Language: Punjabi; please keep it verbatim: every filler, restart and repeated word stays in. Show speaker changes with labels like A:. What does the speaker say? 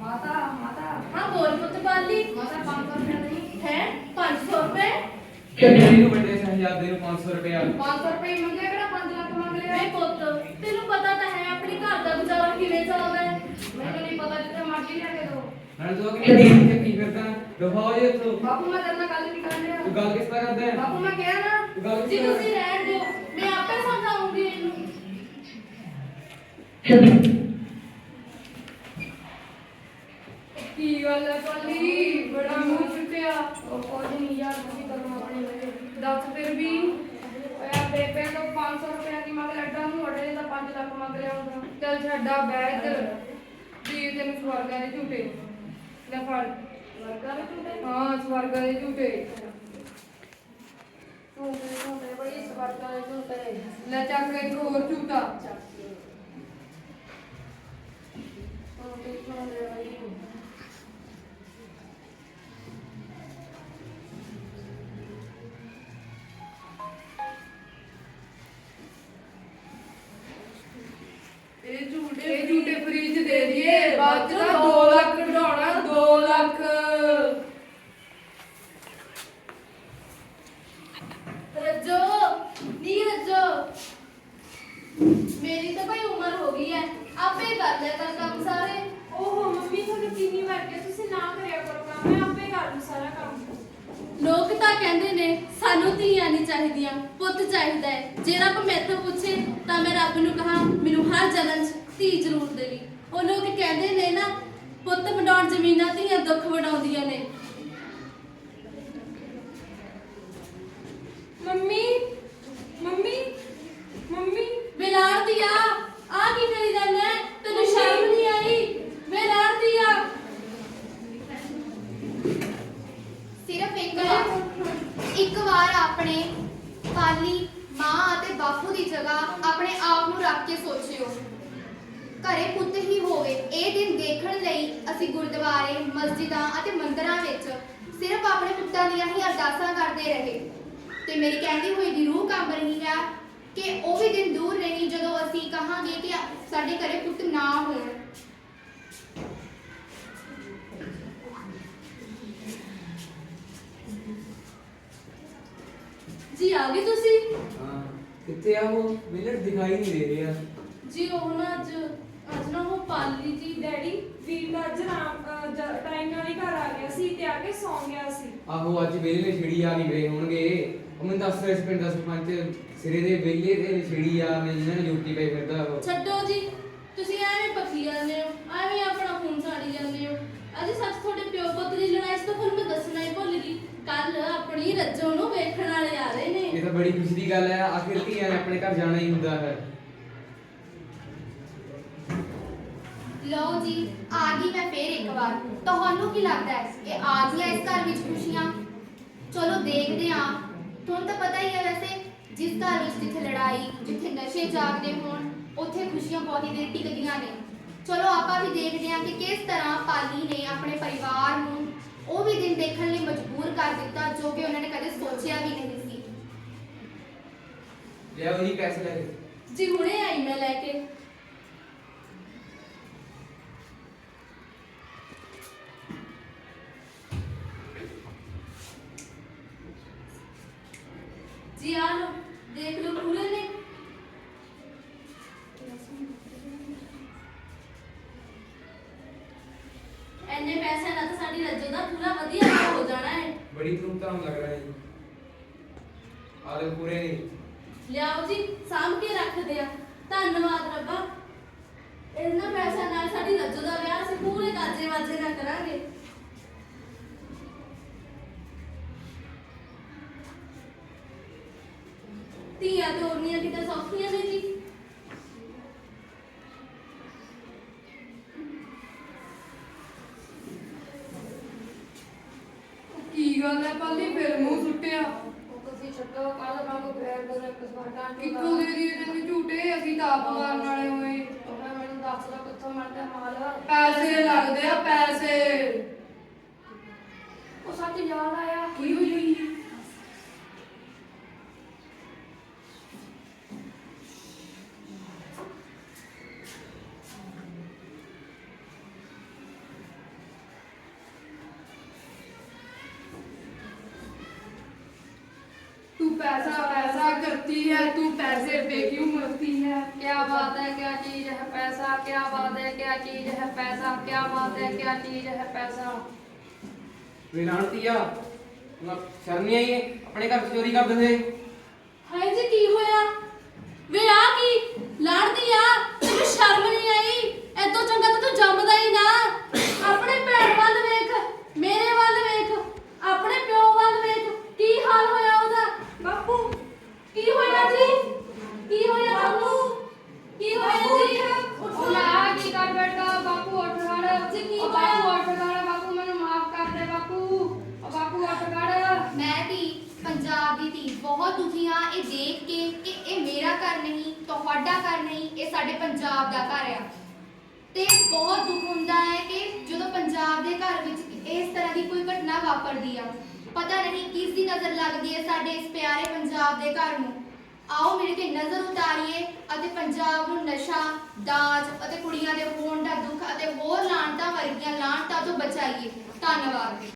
A: माता माता
B: हाँ बोल पुत्र पाली
A: माता पाँच सौ रुपया नहीं
B: है पाँच सौ रुपए
C: ਕਿਹਨੂੰ ਵੱਡੇ ਸਾਹਿਬਜ਼ਾਦੇ ਨੂੰ ਪੰਜ ਸੌ ਰੁਪਇਆ
A: पाँच सौ रुपये ही मंगे किहड़ा पाँच लाख मंग लिया
B: ਵੇ ਪੁੱਤ ਤੈਨੂੰ ਪਤਾ ਤਾਂ ਹੈ ਆਪਣੀ ਘਰ ਦਾ ਗੁਜ਼ਾਰਾ ਕਿਵੇਂ ਚੱਲਦਾ ਹੈ
A: मैंने नहीं पता जितने मर्जी लेके दो
C: ਨਾਲ ਤੂੰ ਕਿ ਨਹੀਂ ਤੇ ਕੀ ਕਰਦਾ ਰਹਾਓ ਜੇ ਤੂੰ
A: बापू मैं तेरे नाल गल नहीं कर
C: ਤੂੰ
A: लिया
C: ਗੱਲ ਕਿਸ ਤਰ੍ਹਾਂ ਕਰਦਾ ਹੈ
A: बापू मैं कहा ना
C: ਤੂੰ ਗੱਲ
B: ਜੀ
C: ਕਿਸ ਤਰ੍ਹਾਂ
B: ਤੁਸੀਂ ਰਹਿਣ ਦਿਓ ਮੈਂ ਆਪੇ ਸਮਝਾਉਂਗੀ ਇਹਨੂੰ
A: की गल है पाली बड़ा मुंह छुटिया और कुछ नहीं यार ਤੁਸੀਂ ਕਰਨਾ ਆਪਣੇ ਵੇਲੇ दस फिर भी यार बेबे तो पाँच सौ रुपया की मंग लड्डा ਨੂੰ ਅੜੇ ਦਾ पाँच ਲੱਖ ਮੰਗ ਲਿਆ ਹੁੰਦਾ ਚੱਲ ਛੱਡਾ ਬੈ ਇੱਧਰ ਜੀ ਤੈਨੂੰ ਸਵਰਗਾਂ ਦੇ ਝੂਟੇ ਲੈ ਫੜ
B: ਵਰਗਾ ਵੀ ਝੂਟੇ
A: ਹਾਂ ਸਵਰਗਾਂ ਦੇ ਝੂਟੇ ਝੂਟੇ ਝੂਟੇ ਬੜੀ ਸਵਰਗਾਂ ਦੇ ਝੂਟੇ ਲੈ ਚੱਕ ਇੱਕ ਹੋਰ ਝੂਟਾ ਝੂਟੇ ਝੂਟੇ ਬੜੀ
B: ਇਹ ਝੂਟੇ
A: ਇਹ ਝੂਟੇ ਫ੍ਰੀ ਚ ਦੇ ਦਈਏ ਬਾਅਦ ਚ ਤਾਂ ਦੋ ਲੱਖ ਕਢਾਉਣਾ ਦੋ ਲੱਖ
B: ਰੱਜੋ ਨੀ ਰੱਜੋ ਮੇਰੀ ਤਾਂ ਭਾਈ ਉਮਰ ਹੋ ਗਈ ਹੈ ਆਪੇ ਕਰ ਲਿਆ ਕਰ ਕੰਮ ਸਾਰੇ
D: ਓਹੋ ਮੰਮੀ ਤੁਹਾਨੂੰ ਕਿੰਨੀ ਵਾਰ ਕਿਹਾ ਤੁਸੀਂ ਨਾ ਕਰਿਆ ਕਰੋ ਕੰਮ ਮੈਂ ਆਪੇ ਕਰ ਲੂ ਸਾਰਾ ਕੰਮ
B: ਲੋਕ ਤਾਂ ਕਹਿੰਦੇ ਨੇ ਸਾਨੂੰ ਧੀਆਂ ਨਹੀਂ ਚਾਹੀਦੀਆਂ ਪੁੱਤ ਚਾਹੀਦਾ ਹੈ ਜੇ ਰੱਬ ਮੈਥੋਂ ਪੁੱਛੇ ਤਾਂ ਮੈਂ ਰੱਬ ਨੂੰ ਕਹਾਂ ਮੈਨੂੰ ਹਰ ਜਨਮ 'ਚ ਧੀ ਜ਼ਰੂਰ ਦੇਵੀ ਉਹ ਲੋਕ ਕਹਿੰਦੇ ਨੇ ਨਾ ਪੁੱਤ ਵਡਾਉਣ ਜ਼ਮੀਨਾਂ ਧੀਆਂ ਦੁੱਖ ਵਡਾਉਂਦੀਆਂ ਨੇ
D: ਮੰਮੀ ਮੰਮੀ ਮੰਮੀ
B: ਬੇਲਾੜ ਦੀਆ ਆ ਕੀ ਕਰੀ ਜਾਂਦਾ ਹੈ? ਤੈਨੂੰ ਸ਼ਰਮ ਨਹੀਂ ਆਈ ਬੇਲਾੜ ਦੀਆ
E: ਸਿਰਫ ਇੱਕ ਵਾਰ ਇੱਕ ਵਾਰ ਆਪਣੇ ਪਾਲੀ ਮਾਂ ਅਤੇ ਬਾਪੂ ਦੀ ਜਗ੍ਹਾ ਆਪਣੇ ਆਪ ਨੂੰ ਰੱਖ ਕੇ ਸੋਚਿਓ ਘਰੇ ਪੁੱਤ ਹੀ ਹੋਵੇ ਇਹ ਦਿਨ ਦੇਖਣ ਲਈ ਅਸੀਂ ਗੁਰਦੁਆਰੇ ਮਸਜਿਦਾਂ ਅਤੇ ਮੰਦਰਾਂ ਵਿੱਚ ਸਿਰਫ ਆਪਣੇ ਪੁੱਤਾਂ ਦੀਆਂ ਹੀ ਅਰਦਾਸਾਂ ਕਰਦੇ ਰਹੇ ਤੇ ਮੇਰੀ ਕਹਿੰਦੀ ਹੋਈ ਦੀ ਰੂਹ ਕੰਬ ਰਹੀ ਹੈ ਕਿ ਉਹ ਵੀ ਦਿਨ ਦੂਰ ਨਹੀਂ ਜਦੋਂ ਅਸੀਂ ਕਹਾਂਗੇ ਕਿ ਸਾਡੇ ਘਰੇ ਪੁੱਤ ਨਾ ਹੋਣ
B: ਜੀ ਆ ਗਏ ਤੁਸੀਂ
C: ਹਾਂ ਕਿੱਥੇ ਆ ਉਹ ਮੈਨੂੰ ਦਿਖਾਈ ਨਹੀਂ ਦੇ ਰਿਹਾ
B: ਜੀ ਉਹ ਨਾ ਅੱਜ ਅੱਜ ਨਾ ਉਹ ਪਾਲੀ ਜੀ
D: ਡੈਡੀ ਵੀਰ ਦਾ ਅੱਜ ਰਾਮ ਟਾਈਮ ਨਾਲ ਹੀ ਘਰ ਆ ਗਿਆ ਸੀ ਤੇ ਆ ਕੇ ਸੌਂ ਗਿਆ ਸੀ
C: ਆਹੋ ਅੱਜ ਵੇਲੇ ਨੇ ਛਿੜੀ ਆ ਨਹੀਂ ਗਏ ਹੋਣਗੇ ਉਹ ਮੈਨੂੰ ਦੱਸ ਰਿਹਾ ਸੀ ਪਿੰਡ ਦਾ ਸਰਪੰਚ ਸਿਰੇ ਦੇ ਵੇਲੇ ਦੇ ਛਿੜੀ ਆ ਮੈਂ ਜਿਹਨਾਂ ਨੇ ਡਿਊਟੀ ਪਈ ਫਿਰਦਾ ਉਹ
B: ਛੱਡੋ ਜੀ ਤੁਸੀਂ ਐਵੇਂ ਪੱਕੀ ਜਾਂਦੇ ਹੋ ਐਵੇਂ ਆਪਣਾ ਖੂਨ ਸਾੜੀ ਜਾਂਦੇ ਹੋ ਅੱਜ ਸੱਚ ਤੁਹਾਡੇ ਪਿਓ ਪੁੱਤ ਦੀ ਲੜਾਈ ਸੀ ਤਾਂ ਤੁਹਾਨੂੰ ਮੈਂ ਦੱਸਣਾ ਹੀ ਭੁੱਲ ਗਈ ਕੱਲ ਆਪਣੀ ਰੱਜੋ ਨੂੰ ਵੇਖਣ ਵਾਲੇ ਆ ਰਹੇ ਨੇ
C: ਇਹ ਤਾਂ ਬੜੀ ਖੁਸ਼ੀ ਦੀ ਗੱਲ ਹੈ ਆਖਿਰ ਧੀਆਂ ਨੇ ਆਪਣੇ ਘਰ ਜਾਣਾ ਹੀ ਹੁੰਦਾ ਹੈ
E: ਲਓ ਜੀ ਆ ਗਈ ਮੈਂ ਫੇਰ ਇੱਕ ਵਾਰ ਤੁਹਾਨੂੰ ਕੀ ਲੱਗਦਾ ਹੈ ਇਹ ਆ ਗਈਆਂ ਇਸ ਘਰ ਵਿੱਚ ਖੁਸ਼ੀਆਂ ਚਲੋ ਦੇਖਦੇ ਹਾਂ ਤੁਹਾਨੂੰ ਤਾਂ ਪਤਾ ਹੀ ਹੈ ਵੈਸੇ ਜਿਸ ਘਰ ਵਿੱਚ ਜਿੱਥੇ ਲੜਾਈ ਜਿੱਥੇ ਨਸ਼ੇ ਜਾਗਦੇ ਹੋਣ ਉੱਥੇ ਖੁਸ਼ੀਆਂ ਬਹੁਤ ਹੀ ਦੇਰ ਟਿਕਦੀਆਂ ਨੇ ਚਲੋ ਆਪਾਂ ਵੀ ਦੇਖਦੇ ਹਾਂ ਕਿ ਕਿਸ ਤਰ੍ਹਾਂ ਪਾਲੀ ਨੇ ਆਪਣੇ ਪਰਿਵਾਰ ਨੂੰ ਉਹ ਵੀ ਦਿਨ ਦੇਖਣ ਲਈ ਮਜਬੂਰ ਕਰ ਦਿੱਤਾ ਜੋ ਕਿ ਉਹਨਾਂ ਨੇ ਕਦੇ ਸੋਚਿਆ ਵੀ ਨਹੀਂ ਸੀ
C: ਲਿਆ ਉਹੀ ਪੈਸੇ ਲੈ ਕੇ
B: ਜੀ ਹੁਣੇ ਆਈ ਮੈਂ ਲੈ ਕੇ जी आ लो देख लो पूरे ने एने पैसे ना तो साडी रज्जो दा पूरा वधिया हो जाना है
C: बड़ी धूमधाम लग रहा है जी आले पूरे नहीं
B: लियाओ जी साम के रख दिया धन्यवाद रब्बा इतना पैसा नाल साडी रज्जो दा विआह ਅਸੀਂ ਪੂਰੇ ਕਾਜੇ ਵਾਜੇ ਨਾਲ ਕਰਾਂਗੇ ਧੀਆਂ ਤੋਰਨੀਆਂ ਕਿਤੇ ਸੌਖੀਆਂ ਨੇ ਜੀ
A: ਕੀ ਗੱਲ ਹੈ ਪਾਲੀ ਫਿਰ ਮੂੰਹ ਸੁੱਟਿਆ
B: ਤੁਸੀਂ ਛੱਡੋ ਕੱਲ ਵਾਂਗੂ ਫੇਰ ਦੋ ਇੱਕ ਸਵਾਟਾਂ
A: ਕਿੱਥੋਂ ਦੇ ਦੀਏ ਤੈਨੂੰ ਝੂਟੇ ਅਸੀਂ ਤਾਂ ਆਪ ਮਾਰਨ ਵਾਲੇ ਹੋਏ
B: ਮੈਨੂੰ ਦੱਸ ਦੋ ਕਿੱਥੋਂ ਮਿਲਦਾ ਮਾਲ
A: ਪੈਸੇ ਲੱਗਦੇ ਆ ਪੈਸੇ
B: ਉਹ ਸੱਚ ਯਾਦ ਆਇਆ
A: ਕੀ ਹੋਈ पैसा पैसा करती है, तू पैसे पे क्यों मरती है?
F: क्या बात है, क्या चीज है पैसा, क्या बात है, क्या चीज है पैसा, क्या बात है, क्या चीज है पैसा।
C: ਵੇ ਲਾਣਤੀਆ ਨਾ ਸ਼ਰਮ ਨਹੀਂ ਆਈ ਆਪਣੇ ਘਰ 'ਚ ਚੋਰੀ ਕਰਦੇ ਹੋਏ।
B: ਹਾਏ ਜੀ ਕੀ ਹੋਇਆ ਵੇ ਆ ਕੀ ਲੜਦੀ ਆ ਤੈਨੂੰ ਸ਼ਰਮ ਨਹੀਂ ਆਈ ਐਦੋਂ ਚੰਗਾ ਤਾਂ ਤੂੰ ਜੰਮਦਾ ਹੀ ਨਾ ਆਪਣੇ ਭੈਣ ਵੱਲ ਵੇਖ ਮੇਰੇ ਵੱਲ ਵੇਖ ਆਪਣੇ ਪਿਓ ਵੱਲ ਵੇਖ ਕੀ ਹਾਲ ਹੋਇਆ ਉਹਦਾ ਬਾਪੂ ਕੀ ਹੋਇਆ ਜੀ ਕੀ ਹੋਇਆ ਤੁਹਾਨੂੰ ਕੀ ਹੋਇਆ ਜੀ
A: ਉਹ ਨਾ ਕੀ ਕਰ ਬੈਠਾ ਬਾਪੂ ਉੱਠ ਖੜ
B: ਜੀ ਕੀ
A: ਉਹ
B: ਹੋਇਆ?
A: ਬਾਪੂ ਉੱਠ ਖੜ ਬਾਪੂ ਮੈਨੂੰ ਮਾਫ ਕਰ ਦੇ ਬਾਪੂ ਉਹ ਬਾਪੂ ਉੱਠ ਖੜ
E: ਮੈਂ ਧੀ ਪੰਜਾਬ ਦੀ ਧੀ ਬਹੁਤ ਦੁਖੀ ਹਾਂ ਇਹ ਦੇਖ ਕੇ ਕਿ ਇਹ ਮੇਰਾ ਘਰ ਨਹੀਂ ਤੁਹਾਡਾ ਘਰ ਨਹੀਂ ਇਹ ਸਾਡੇ ਪੰਜਾਬ ਦਾ ਘਰ ਆ ਤੇ ਬਹੁਤ ਦੁੱਖ ਹੁੰਦਾ ਹੈ ਕਿ ਜਦੋਂ ਪੰਜਾਬ ਦੇ ਘਰ ਵਿੱਚ ਇਸ ਤਰ੍ਹਾਂ ਦੀ ਕੋਈ ਘਟਨਾ ਵਾਪਰਦੀ ਆ ਪਤਾ ਨਹੀਂ ਕਿਸ ਦੀ ਨਜ਼ਰ ਲੱਗਦੀ ਹੈ ਸਾਡੇ ਇਸ ਪਿਆਰੇ ਪੰਜਾਬ ਦੇ ਘਰ ਨੂੰ ਆਓ ਮੇਰੇ ਤੇ ਨਜ਼ਰ ਉਤਾਰੀਏ ਅਤੇ ਪੰਜਾਬ ਨੂੰ ਨਸ਼ਾ ਦਾਜ ਅਤੇ ਕੁੜੀਆਂ ਦੇ ਹੋਣ ਦਾ ਦੁੱਖ ਅਤੇ ਹੋਰ ਲਾਹਨਤਾਂ ਵਰਗੀਆਂ ਲਾਹਨਤਾਂ ਤੋਂ ਬਚਾਈਏ ਧੰਨਵਾਦ।